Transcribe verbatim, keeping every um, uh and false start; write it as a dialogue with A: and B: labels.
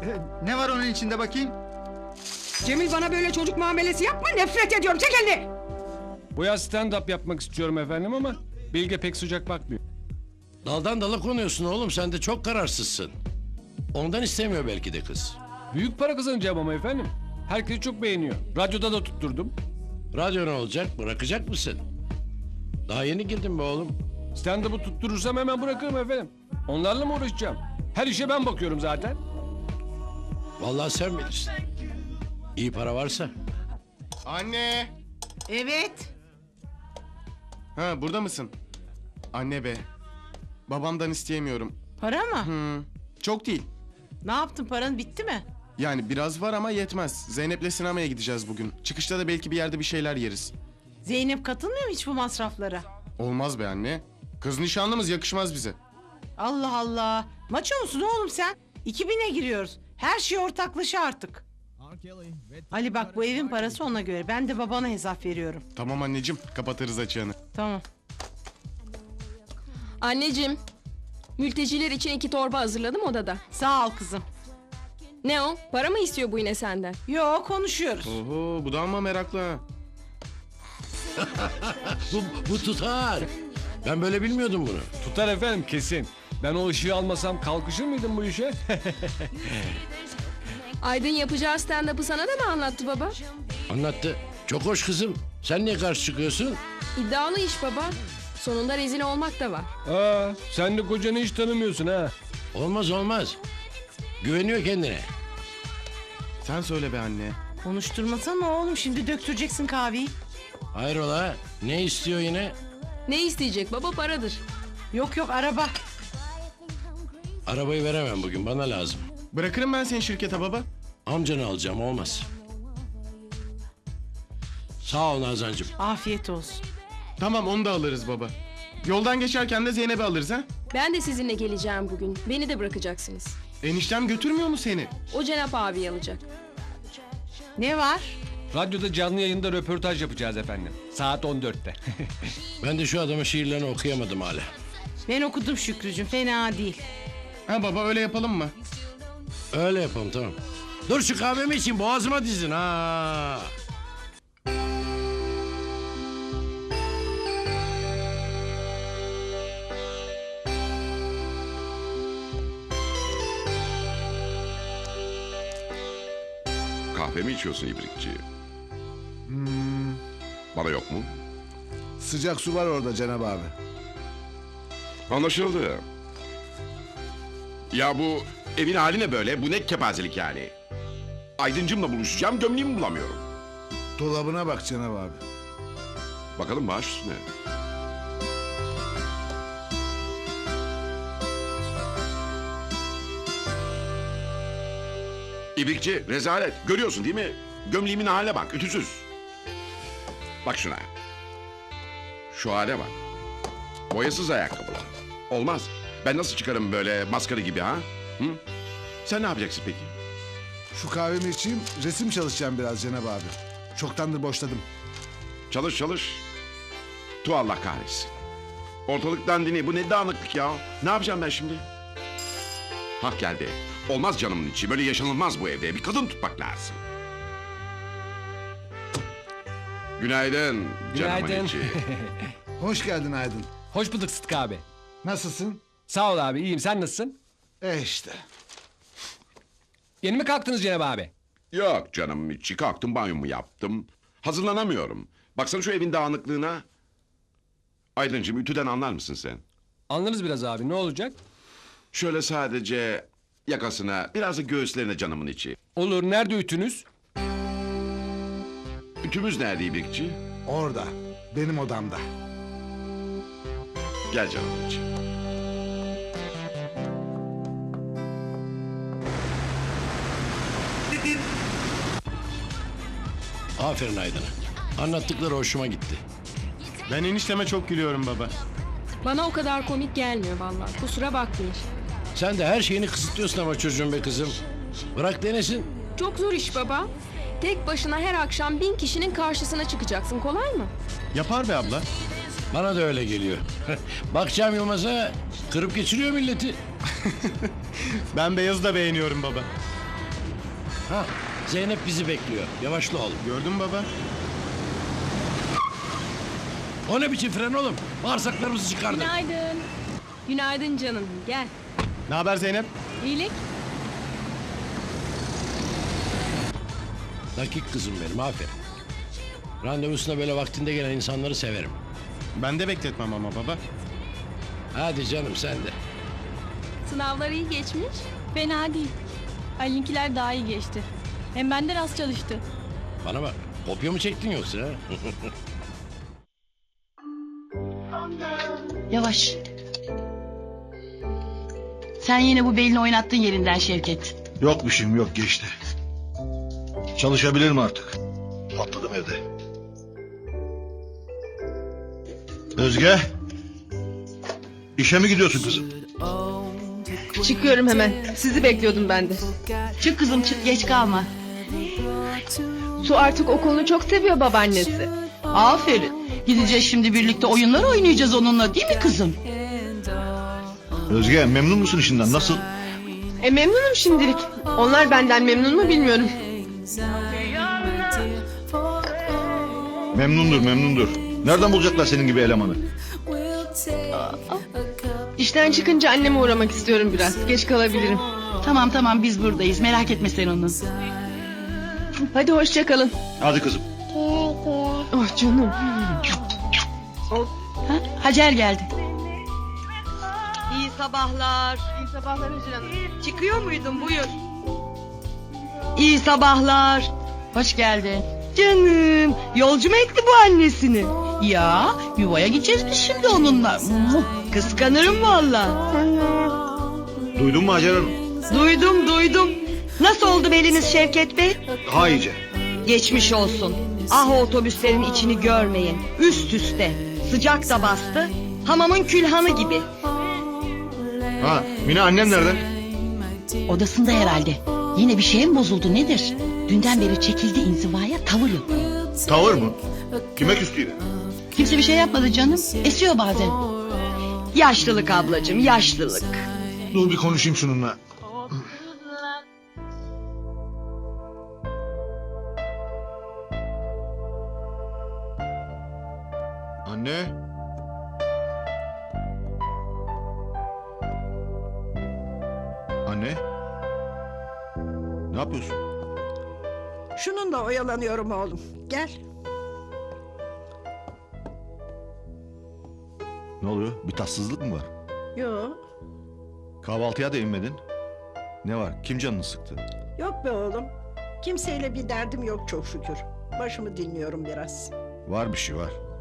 A: Ee, ne var onun içinde bakayım?
B: Cemil bana böyle çocuk muamelesi yapma, nefret ediyorum. Çek elini.
C: Bu yaz stand-up yapmak istiyorum efendim ama Bilge pek sıcak bakmıyor.
D: Daldan dala konuyorsun oğlum, sen de çok kararsızsın. Ondan istemiyor belki de kız.
C: Büyük para kazanacağım ama efendim. Herkes çok beğeniyor. Radyoda da tutturdum.
D: Radyo ne olacak, bırakacak mısın? Daha yeni girdin be oğlum.
C: Stand-up'ı tutturursam hemen bırakırım efendim. Onlarla mı uğraşacağım? Her işe ben bakıyorum zaten.
D: Vallahi sen bilirsin. İyi para varsa.
E: Anne!
B: Evet.
E: Ha, burada mısın? Anne be. Babamdan isteyemiyorum.
F: Para mı?
E: Hı, çok değil.
F: Ne yaptın, paran bitti mi?
E: Yani biraz var ama yetmez. Zeynep'le sinemaya gideceğiz bugün. Çıkışta da belki bir yerde bir şeyler yeriz.
F: Zeynep katılmıyor mu hiç bu masraflara?
E: Olmaz be anne. Kız nişanlımız, yakışmaz bize.
F: Allah Allah. Maço musun oğlum sen? iki bine giriyoruz. Her şey ortaklaşa artık. Ali bak, bu evin parası ona göre. Ben de babana hesap veriyorum.
E: Tamam anneciğim, kapatırız açığını.
F: Tamam.
G: Anneciğim, mülteciler için iki torba hazırladım odada.
F: Sağ ol kızım.
G: Ne o? Para mı istiyor bu yine senden?
F: Yo, konuşuyoruz.
E: Oho, bu da ama meraklı ha.
D: Bu, bu tutar. Ben böyle bilmiyordum bunu.
C: Tutar efendim kesin. Ben o ışığı almasam kalkışır mıydım bu işe?
G: Aydın yapacağı stand-up'ı sana da mı anlattı baba?
D: Anlattı. Çok hoş kızım. Sen niye karşı çıkıyorsun?
G: İddialı iş baba. Sonunda rezil olmak da var.
C: Aa, sen de kocanı hiç tanımıyorsun ha.
D: Olmaz olmaz. Güveniyor kendine.
E: Sen söyle be anne.
F: Konuşturmasana oğlum, şimdi döktüreceksin kahveyi.
D: Hayrola? Ne istiyor yine?
G: Ne isteyecek baba? Paradır.
F: Yok yok, araba.
D: Arabayı veremem bugün, bana lazım.
E: Bırakırım ben seni şirkete baba.
D: Amcanı alacağım, olmaz. Sağ ol Nazancığım.
F: Afiyet olsun.
E: Tamam, onu da alırız baba. Yoldan geçerken de Zeynep'i alırız ha.
G: Ben de sizinle geleceğim bugün. Beni de bırakacaksınız.
E: Eniştem götürmüyor mu seni?
G: O Cenap abi alacak.
F: Ne var?
C: Radyoda canlı yayında röportaj yapacağız efendim. Saat on dörtte.
D: Ben de şu adamın şiirlerini okuyamadım hala.
F: Ben okudum Şükrücüğüm, fena değil.
E: Ha baba, öyle yapalım mı?
D: Öyle yapalım, tamam. Dur şu kahvemi için boğazıma dizin ha.
H: Kahve mi içiyorsun ibrikçi? Bana yok mu?
I: Sıcak su var orada Cenab abi.
H: Anlaşıldı. Ya bu evin hali ne böyle? Bu ne kepazelik yani? Aydıncımla buluşacağım, gömleğimi bulamıyorum.
I: Dolabına bak Cenab abi.
H: Bakalım baş üstüne. İbrikçi, rezalet. Görüyorsun değil mi? Gömleğimin haline bak, ütüsüz. Bak şuna. Şu hale bak. Boyasız ayakkabılar. Olmaz. Ben nasıl çıkarım böyle maskara gibi ha? Hı? Sen ne yapacaksın peki?
I: Şu kahvemi içeyim, resim çalışacağım biraz Cenab abi. Çoktandır boşladım.
H: Çalış çalış. Tu Allah kahretsin. Ortalık dandini. Bu ne dağınıklık ya? Ne yapacağım ben şimdi? Hah geldi. Olmaz canımın içi. Böyle yaşanılmaz bu evde. Bir kadın tutmak lazım. Günaydın. Canımın
C: Günaydın.
H: içi.
I: Hoş geldin Aydın.
C: Hoş bulduk Sıtkı abi.
I: Nasılsın?
C: Sağ ol abi, iyiyim. Sen nasılsın?
I: E işte.
C: Yeni mi kalktınız Cenab abi?
H: Yok canım içi. Kalktım banyomu yaptım. Hazırlanamıyorum. Baksana şu evin dağınıklığına. Aydıncığım ütüden anlar mısın sen?
C: Anlarız biraz abi, ne olacak?
H: Şöyle sadece yakasına, biraz da göğüslerine canımın içi.
C: Olur, nerede ütünüz?
H: Ütümüz nerede ibrikçi?
I: Orada. Benim odamda.
H: Gel canımın içi.
D: Aferin Aydın'a. Anlattıkları hoşuma gitti.
E: Ben enişteme çok gülüyorum baba.
G: Bana o kadar komik gelmiyor vallahi. Kusura bakmayın.
D: Sen de her şeyini kısıtlıyorsun ama çocuğum be kızım. Bırak denesin.
G: Çok zor iş baba. Tek başına her akşam bin kişinin karşısına çıkacaksın. Kolay mı?
E: Yapar be abla.
D: Bana da öyle geliyor. Bakacağım Yılmaz'a, kırıp geçiriyor milleti.
E: Ben Beyaz'ı da beğeniyorum baba.
D: Ha, Zeynep bizi bekliyor. Yavaşla oğlum.
E: Gördün mü baba?
D: O ne biçim fren oğlum? Bağırsaklarımızı çıkardı.
G: Günaydın. Günaydın canım. Gel.
E: Ne haber Zeynep?
G: İyilik.
D: Dakik kızım benim, aferin. Randevusuna böyle vaktinde gelen insanları severim.
E: Ben de bekletmem ama baba.
D: Hadi canım sen de.
G: Sınavlar iyi geçmiş.
J: Fena değil. Ali'ninkiler daha iyi geçti. Hem benden az çalıştı.
D: Bana bak, kopya mı çektin yoksa? ha?
J: Yavaş. Sen yine bu belini oynattın yerinden Şevket.
I: Yok bir şeyim yok geçti. Çalışabilirim artık. Patladım evde. Özge. İşe mi gidiyorsun kızım?
G: Çıkıyorum hemen. Sizi bekliyordum ben de.
J: Çık kızım çık geç kalma.
G: Su artık okulunu çok seviyor babaannesi.
J: Aferin. Gideceğiz şimdi birlikte oyunlar oynayacağız onunla değil mi kızım?
I: Özge memnun musun işinden nasıl?
G: E memnunum şimdilik. Onlar benden memnun mu bilmiyorum.
I: Memnundur memnundur. Nereden bulacaklar senin gibi elemanı?
G: İşten çıkınca anneme uğramak istiyorum biraz. Geç kalabilirim.
J: Tamam tamam biz buradayız merak etme sen onu.
G: Hadi hoşça kalın.
I: Hadi kızım.
G: Oh canım.
J: Ha, Hacer geldi.
F: İyi sabahlar.
G: İyi sabahlar Hüsnü Hanım.
F: Çıkıyor muydun buyur.
J: İyi sabahlar. Hoş geldin.
F: Canım yolcu mu etti bu annesini?
J: Ya yuvaya gideceğiz biz şimdi onunla. Muh.
F: Kıskanırım valla.
I: Duydun mu Hacer Hanım?
F: Duydum duydum. Nasıl oldu beliniz Şevket Bey?
I: Daha iyice.
F: Geçmiş olsun. Ah o otobüslerin içini görmeyin. Üst üste. Sıcak da bastı. Hamamın külhanı gibi.
I: Ha Mine annem nerede?
J: Odasında herhalde. Yine bir şey mi bozuldu nedir? Dünden beri çekildi inzivaya tavır yok.
I: Tavır mı? Kime küstüydü?
J: Kimse bir şey yapmadı canım. Esiyor bazen.
F: Yaşlılık ablacığım yaşlılık.
I: Dur bir konuşayım şununla. Anne. Anne. Ne yapıyorsun?
B: Şununla oyalanıyorum oğlum. Gel.
I: Ne oluyor? Bir tatsızlık mı var?
B: Yo,
I: Kahvaltıya da inmedin. Ne var? Kim canını sıktı?
B: yok be oğlum. Kimseyle bir derdim yok çok şükür. Başımı dinliyorum biraz.
I: Var bir şey var.